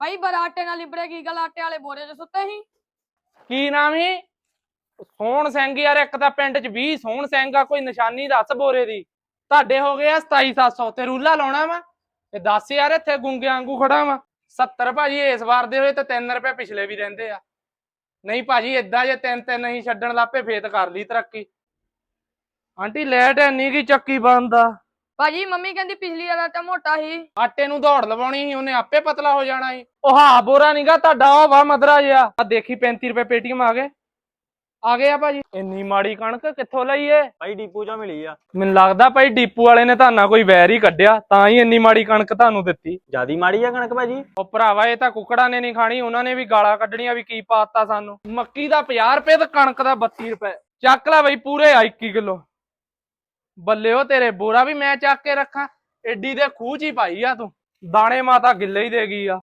ਭਾਈ ਬੜਾ ਆਟੇ ਨਾਲ ਲਿਬੜੇ ਕੀ ਗੱਲ ਆਟੇ ਵਾਲੇ ਬੋਰੇ 'ਚ ਸੁੱਤੇ ਸੀ। ਕੀ ਨਾਮ ਹੀ ਸੋਹਣ ਸਿੰਘ ਯਾਰ, ਇੱਕ ਤਾਂ ਪਿੰਡ 'ਚ 20 ਸੋਹਣ ਸਿੰਘ ਆ, ਕੋਈ ਨਿਸ਼ਾਨੀ ਦੱਸ ਬੋਰੇ ਦੀ। ਤੁਹਾਡੇ ਹੋ ਗਏ ਆ 2700 ਤੇ ਰੂਲਾ ਲਾਉਣਾ ਵਾ ਤੇ 10 ਯਾਰ ਇੱਥੇ ਗੁੰਗੇ ਵਾਂਗੂ ਖੜਾ ਵਾ। 70 ਭਾਜੀ ਇਸ ਵਾਰ ਦੇ ਹੋਏ ਤੇ 3 ਰੁਪਏ ਪਿਛਲੇ ਵੀ ਰਹਿੰਦੇ ਆ। ਨਹੀਂ ਭਾਜੀ ਏਦਾਂ ਜੇ 3-3 ਨਹੀਂ ਛੱਡਣ ਲੱਪੇ ਫੇਰ ਕਰ ਲਈ ਤਰੱਕੀ। ਆਂਟੀ ਲੈਟ ਐਨੀ ਕੀ ਚੱਕੀ ਬੰਦ ਆ। ਭਾਜੀ ਮੰਮੀ ਕਹਿੰਦੀ ਪਿਛਲੀ ਵਾਰ ਆਟਾ ਮੋਟਾ ਸੀ। ਆਟੇ ਨੂੰ ਦੌੜ ਲਵਾਉਣੀ ਸੀ, ਉਹਨੇ ਆਪੇ ਪਤਲਾ ਹੋ ਜਾਣਾ ਸੀ। ਉਹ ਹਾਂ ਬੋਰਾ ਨੀਗਾ ਤੁਹਾਡਾ, ਉਹ ਵਾ ਮਦਰਾ ਜਿਹਾ। ਆ ਦੇਖੀ 35 ਰੁਪਏ ਪੇਟੀਐਮ ਆ ਗਏ ਆ ਭਾਜੀ। ਇੰਨੀ ਮਾੜੀ ਕਣਕ ਕਿੱਥੋਂ ਲਈ ਏ? ਭਾਈ ਡੀਪੂ ਚੋਂ ਮਿਲੀ ਆ। ਮੈਨੂੰ ਲੱਗਦਾ ਭਾਈ ਡੀਪੂ ਵਾਲੇ ਨੇ ਤੁਹਾਨੂੰ ਕੋਈ ਵੈਰ ਹੀ ਕੱਢਿਆ, ਤਾਂ ਹੀ ਇੰਨੀ ਮਾੜੀ ਕਣਕ ਤੁਹਾਨੂੰ ਦਿੱਤੀ। ਜਿਆਦੀ ਮਾੜੀ ਆ ਕਣਕ ਭਾਜੀ। ਉਹ ਭਰਾਵਾ ਇਹ ਤਾਂ ਕੁੱਕੜਾਂ ਨੇ ਨਹੀਂ ਖਾਣੀ, ਉਹਨਾਂ ਨੇ ਵੀ ਗਾਲਾਂ ਕੱਢਣੀਆਂ ਵੀ ਕੀ ਪਾਤਾ ਸਾਨੂੰ। ਮੱਕੀ ਦਾ 50 ਰੁਪਏ ਤੇ ਕਣਕ ਦਾ 32 ਰੁਪਏ। ਚੱਕ ਲੈ ਬਈ ਪੂਰੇ 21 ਕਿਲੋ। ਬੱਲੇ ਉਹ ਤੇਰੇ, ਬੋਰਾ ਵੀ ਮੈਂ ਚੱਕ ਕੇ ਰੱਖਾਂ? ਏਡੀ ਦੇ ਖੂਹ ਚ ਹੀ ਪਾਈ ਆ ਤੂੰ। ਦਾਣੇ ਮਾਤਾ ਗਿੱਲੇ ਹੀ ਦੇ ਗਈ ਆ।